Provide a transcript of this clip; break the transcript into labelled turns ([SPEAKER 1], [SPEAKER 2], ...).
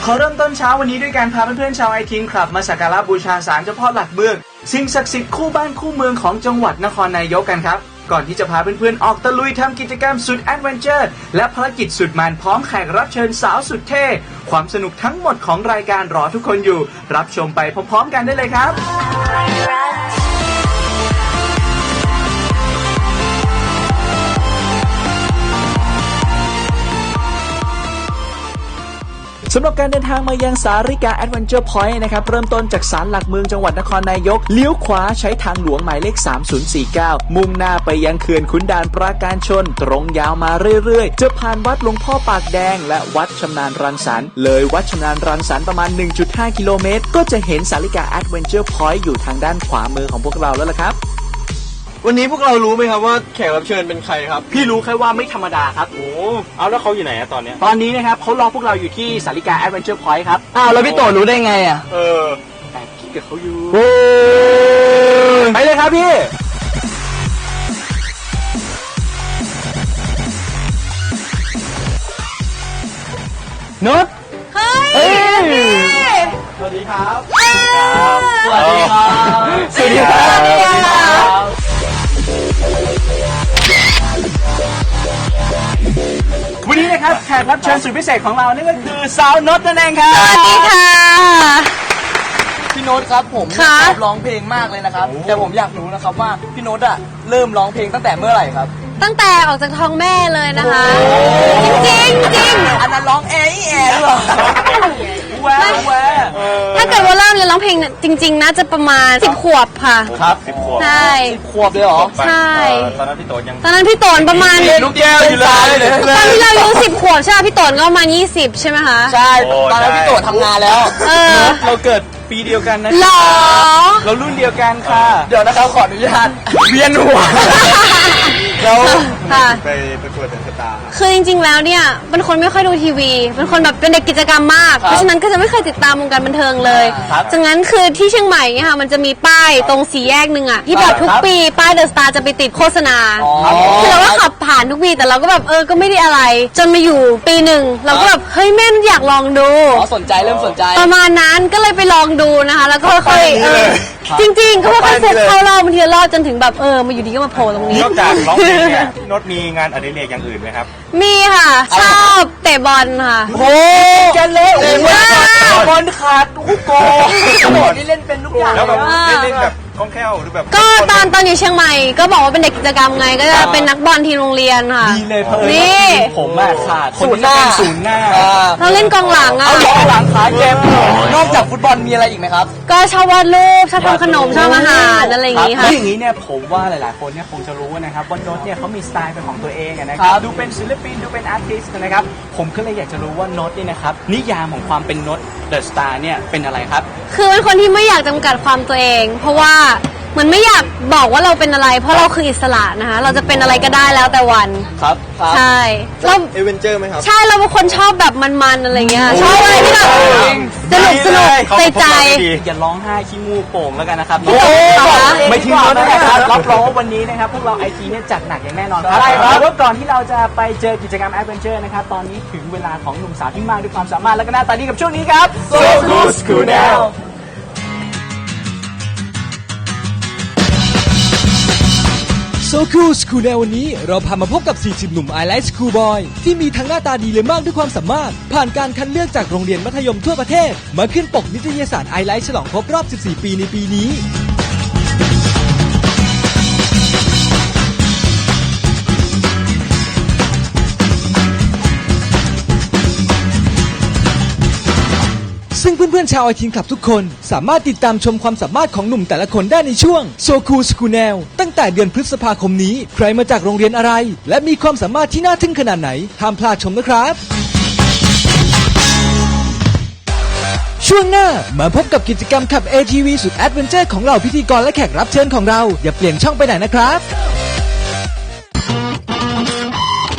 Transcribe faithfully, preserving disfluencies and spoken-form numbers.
[SPEAKER 1] ขอเริ่มต้นเช้าวันนี้ด้วยการพาเพื่อนๆชาวไอทีนคลับมาสักการะบูชาศาลเจ้าพ่อหลักเมืองสิ่งศักดิ์สิทธิ์คู่บ้านคู่เมืองของจังหวัดนครนายกกันครับก่อนที่จะพาเพื่อนๆออกตะลุยทำกิจกรรมสุดแอดเวนเจอร์และภารกิจสุดมันพร้อมแขกรับเชิญสาวสุดเท่ความสนุกทั้งหมดของรายการรอทุกคนอยู่รับชมไปพร้อมๆกันได้เลยครับสำหรับการเดินทางมายังสาริกาแอดเวนเจอร์พอยต์นะครับเริ่มต้นจากศาลหลักเมืองจังหวัดนครนายกเลี้ยวขวาใช้ทางหลวงหมายเลขสามศูนย์สี่เก้ามุ่งหน้าไปยังเขื่อนขุนด่านปราการชนตรงยาวมาเรื่อยๆจะผ่านวัดหลวงพ่อปากแดงและวัดชำนาญรังสรรค์เลยวัดชำนาญรังสรรค์ประมาณ หนึ่งจุดห้า กิโลเมตรก็จะเห็นสาริกาแอดเวนเจอร์พอยต์อยู่ทางด้านขวามือของพวกเราแล้วล่ะครับ
[SPEAKER 2] วันนี้พวกเรารู้ไหมครับว่าแขกรับเชิญเป็นใครครับ
[SPEAKER 1] พี่รู้แค่ว่าไม่ธรรมดาครับ
[SPEAKER 2] โอ้เอาแล้วเขาอยู่ไหนอะตอนเนี้ย
[SPEAKER 1] ตอนนี้นะครับเขารอพวกเราอยู่ที่สาริกาแอดเวนเจอร์พอยต์ครับ
[SPEAKER 2] อ้าวแล้วพี่โตรู้ได้ไงอะเออ
[SPEAKER 1] แต่พี่กับเขาอยู่
[SPEAKER 2] โอ้
[SPEAKER 1] ไปเลยครับพี่นุช
[SPEAKER 3] เฮ้ย
[SPEAKER 2] สวัสดีครับ
[SPEAKER 1] สวัสดีครับ
[SPEAKER 2] สวัสดีครับ
[SPEAKER 1] วันนี้นะครับแขกรับเชิญสุดพิเศษของเรานี่ก็คือสาวนุชนั่นเองครับ
[SPEAKER 3] สวัสดีค่ะ
[SPEAKER 2] พี่โน้ตครับผมชอบร้องเพลงมากเลยนะครับแต่ผมอยากรู้นะครับว่าพี่โน้ตอะเริ่มร้องเพลงตั้งแต่เมื่อไหร่ครับ
[SPEAKER 3] ตั้งแต่ออกจากท้องแม่เลยนะคะจริงจริงจริง
[SPEAKER 2] อันนั้นร้องแอแอหรอแวะแวะ
[SPEAKER 3] ถ้าเกิดว่าเริ่มเรียนร้องเพลงจริงๆน่าจะประมาณสิบขวบค่ะ
[SPEAKER 2] ครับสิบขวบ
[SPEAKER 3] ใช่
[SPEAKER 2] สิบขวบเลยเหรอ
[SPEAKER 3] ใช่
[SPEAKER 2] ตอนนั้นพี่โตยัง
[SPEAKER 3] ตอนนั้นพี่โตนประมาณ
[SPEAKER 2] ลูกแก้วอยู่เลย
[SPEAKER 3] ตอนที่เราอายุสิบขวบใช่ไหมพี่โตนก็ประมาณยี่สิบใช่ไหมคะ
[SPEAKER 2] ใช่ตอนนั้นพี่โตทำงานแล้ว
[SPEAKER 3] เออ
[SPEAKER 1] เราเกิดปีเดียวกันนะ
[SPEAKER 3] หรอ
[SPEAKER 1] เรารุ่นเดียวกันค่ะ
[SPEAKER 2] เดี๋ยวนะครับขออนุญาตเวียนหัว
[SPEAKER 1] เรา
[SPEAKER 2] ไปประกวดเดอะสตาร์
[SPEAKER 3] คือจริงๆแล้วเนี่ยเป็นคนไม่ค่อยดูทีวีเป็นคนแบบเป็นเด็กกิจกรรมมากเพราะฉะนั้นก็จะไม่เคยติดตามวงการบันเทิงเลยจากนั้นคือที่เชียงใหม่เนี่ยค่ะมันจะมีป้ายตรงสี่แยกหนึ่งอ่ะที่แบบทุกปีป้ายเดอะสตาร์จะไปติดโฆษณาคือเราก็ขับผ่านทุกปีแต่เราก็แบบเออก็ไม่ได้อะไรจนมาอยู่ปีหนึ่งเราก็แบบเฮ้ยแม่อยากลองดู
[SPEAKER 2] อ๋อสนใจเริ่มสนใจ
[SPEAKER 3] ประมาณนั้นก็เลยไปลองดูนะคะแล้วก็ค่อยๆเออจริงๆก็ค่อยๆเซ็ตเข้ารอบางทีรอบจนถึงแบบเออมาอยู่ดีก็มาโผล่ตรงนี้
[SPEAKER 4] นอกจากร้องเพลงเนี่ยพี่โน้ตมีงานอดิเรกอย่างอื่นไหมครับ
[SPEAKER 3] มีค่ะชอบเตะบอลค่ะ
[SPEAKER 2] โอ้
[SPEAKER 1] กันเลยโอ้ยบอลขาดทุกโก
[SPEAKER 2] โหนี่เล่นเป็นทุกอย่าง
[SPEAKER 4] แล้วแบบเล่นแบบคล่องแคล่วหรือแบบ
[SPEAKER 3] ก็ตอนตอนอยู่เชียงใหม่ก็บอกว่าเป็นเด็กกิจกรรมไงก็จะเป็นนักบอลทีมโรงเรียนค่ะ
[SPEAKER 1] ดีเลยเพิ่ม
[SPEAKER 3] นี่
[SPEAKER 1] ผมมาขาด
[SPEAKER 2] ศูนย์หน้า
[SPEAKER 1] ศูนย์หน้า
[SPEAKER 3] เราเล่นกองหลังอ่ะ
[SPEAKER 2] กองหลังขาเกมนอกจากฟุตบอลมีอะไรอีกไหมครับ
[SPEAKER 3] ก็ชอบวาดรูปชอบทำขนมชอบอาหารอะไรอย่างงี้ค่ะ
[SPEAKER 1] อย่างนี้เนี่ยผมว่าหลายๆคนเนี่ยคงจะรู้นะครับว่าโน้ตเนี่ยเขามีสไตล์เป็นของตัวเองนะครับดูเป็นศิลปินดูเป็นอาร์ติสต์นะครับผมก็เลยอยากจะรู้ว่าโน้ตนี่นะครับนิยามของความเป็นโน้ตเดอะสตาร์เนี่ยเป็นอะไรครับ
[SPEAKER 3] คือเป็นคนที่ไม่อยากจำกัดความตัวเองเพราะว่าเหมือนไม่อยากบอกว่าเราเป็นอะไรเพราะเราคืออิสระนะคะเราจะเป็นอะไรก็ได้แล้วแต่วัน
[SPEAKER 2] ครับ
[SPEAKER 3] ใช่
[SPEAKER 2] เราเอเวนเจอร์ไหมครับ
[SPEAKER 3] ใช่เราเป็นคนชอบแบบมันๆอะไรเงี้ยชอบอะไรที่แบบสนุกสนุกใจใจ
[SPEAKER 1] อย่าร้องไห้ขี้มูกโป่งแล้วกันนะครับไม่ทิ้งรถนะครับรับรองว่าวันนี้นะครับพวกเราไอทีเนี่ยจัดหนักอย่างแน่นอนครับแต่ว่าก่อนที่เราจะไปเจอกิจกรรมแอดเวนเจอร์นะครับตอนนี้ถึงเวลาของหนุ่มสาวที่มากด้วยความสามารถและก็หน้าตาดีกับช่วงนี้ครับ
[SPEAKER 2] So Cool School Now
[SPEAKER 5] So Cool School ในวันนี้เราพามาพบกับสี่สิบหนุ่ม I Like School Boy ที่มีทั้งหน้าตาดีและมากด้วยความสามารถผ่านการคัดเลือกจากโรงเรียนมัธยมทั่วประเทศมาขึ้นปกนิตยสาร I Like ฉลองครบรอบสิบสี่ปีในปีนี้ซึ่งเพื่อนๆชาวไอทีนคลับทุกคนสามารถติดตามชมความสามารถของหนุ่มแต่ละคนได้ในช่วง So Cool School Now ตั้งแต่เดือนพฤษภาคมนี้ใครมาจากโรงเรียนอะไรและมีความสามารถที่น่าทึ่งขนาดไหนห้ามพลาดชมนะครับช่วงหน้ามาพบกับกิจกรรมขับ เอ ที วี สุดแอดเวนเจอร์ของเราพิธีกรและแขกรับเชิญของเราอย่าเปลี่ยนช่องไปไหนนะครับ